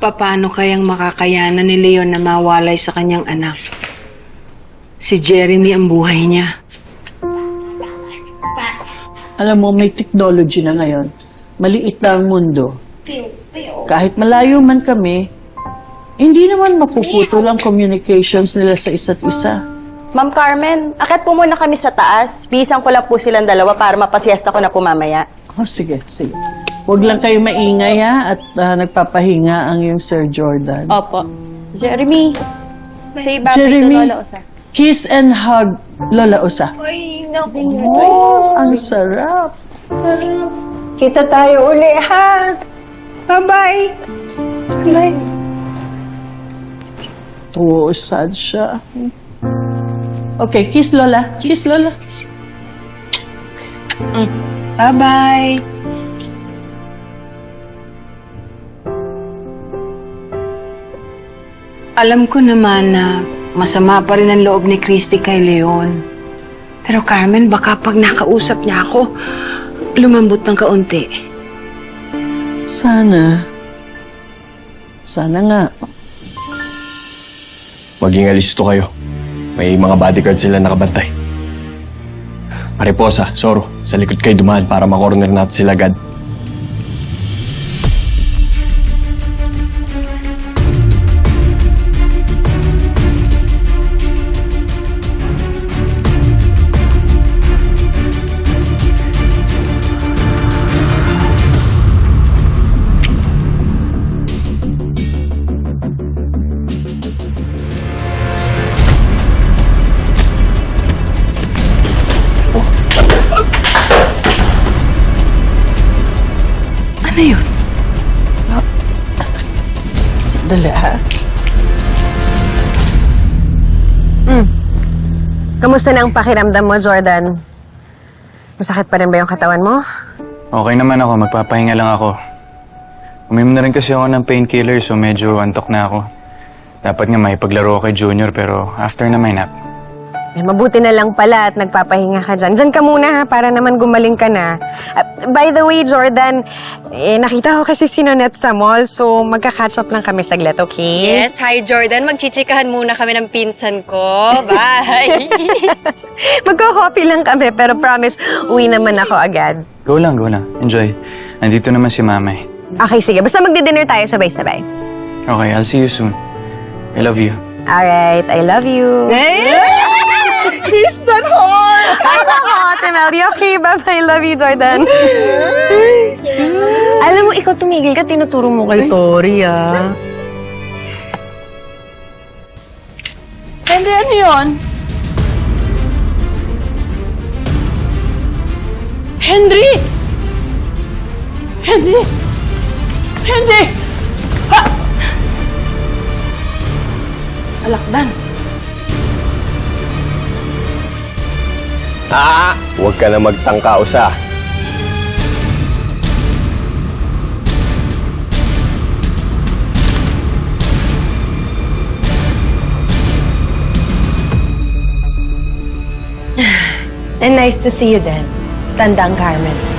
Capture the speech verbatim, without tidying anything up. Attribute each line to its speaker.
Speaker 1: Paano kayang makakayanan ni Leon na mawalay sa kanyang anak? Si Jeremy ang buhay niya.
Speaker 2: Alam mo, may technology na ngayon. Maliit na ang mundo. Kahit malayo man kami, hindi naman mapuputol ang communications nila sa isa't isa.
Speaker 3: Ma'am Carmen, akit po muna kami sa taas. Bisan ko lang po silang dalawa para mapasiesta ko na po mamaya.
Speaker 2: Oh, sige, sige. Huwag lang kayo maingay ha, at uh, nagpapahinga ang yung Sir Jordan.
Speaker 3: Opo. Jeremy, say bye
Speaker 2: Jeremy,
Speaker 3: to Lola Osa.
Speaker 2: kiss and hug Lola Osa.
Speaker 1: Ay, naku.
Speaker 2: Oh, ang sarap.
Speaker 1: Sarap. Kita tayo uli, ha? Bye-bye. Bye.
Speaker 2: Oo, sad siya. Okay, kiss Lola. Kiss, Lola.
Speaker 1: Mm. Bye-bye. Alam ko naman na masama pa rin ang loob ni Christy kay Leon. Pero Carmen, baka pag nakausap niya ako, lumambot ng kaunti.
Speaker 2: Sana. Sana nga.
Speaker 4: Maging alisto kayo. May mga bodyguard sila nakabantay. Mariposa, Soro, sa likod kayo dumaan para makorner natin sila agad.
Speaker 1: Ano yun?
Speaker 2: Sandali ha.
Speaker 5: Hmm. Kamusta na ang pakiramdam mo, Jordan? Masakit pa rin ba yung katawan mo?
Speaker 6: Okay naman ako. Magpapahinga lang ako. Uminom na rin kasi ako ng painkiller so medyo antok na ako. Dapat nga may paglaro kay Junior pero after na may nap.
Speaker 5: Eh, mabuti na lang pala at nagpapahinga ka dyan. Dyan ka muna ha, para naman gumaling ka na. Uh, by the way, Jordan, eh, nakita ko kasi si Nonette sa mall, so magka-catch up lang kami saglit, okay?
Speaker 3: Yes, hi Jordan. Magchichikahan muna kami ng pinsan ko. Bye!
Speaker 5: Magko-coffee lang kami, pero promise, uwi naman ako agad.
Speaker 6: Go lang, go lang. Enjoy. Nandito naman si Mama eh.
Speaker 5: Okay, sige. Basta magdi-dinner tayo sabay-sabay.
Speaker 6: Okay, I'll see you soon. I love you.
Speaker 5: Alright, I love you.
Speaker 2: Kiss that heart!
Speaker 5: Ay, nako, Ate Melody. Okay, bye-bye. Love you, Jordan. Alam mo, ikaw tumigil ka, tinuturo mo kay Tori, ah.
Speaker 2: Henry, ano yun? Henry! Henry! Henry! Ha! Alakdan.
Speaker 4: Ah! Huwag ka na magtangka, Usa.
Speaker 7: And nice to see you then, Tandang Carmen.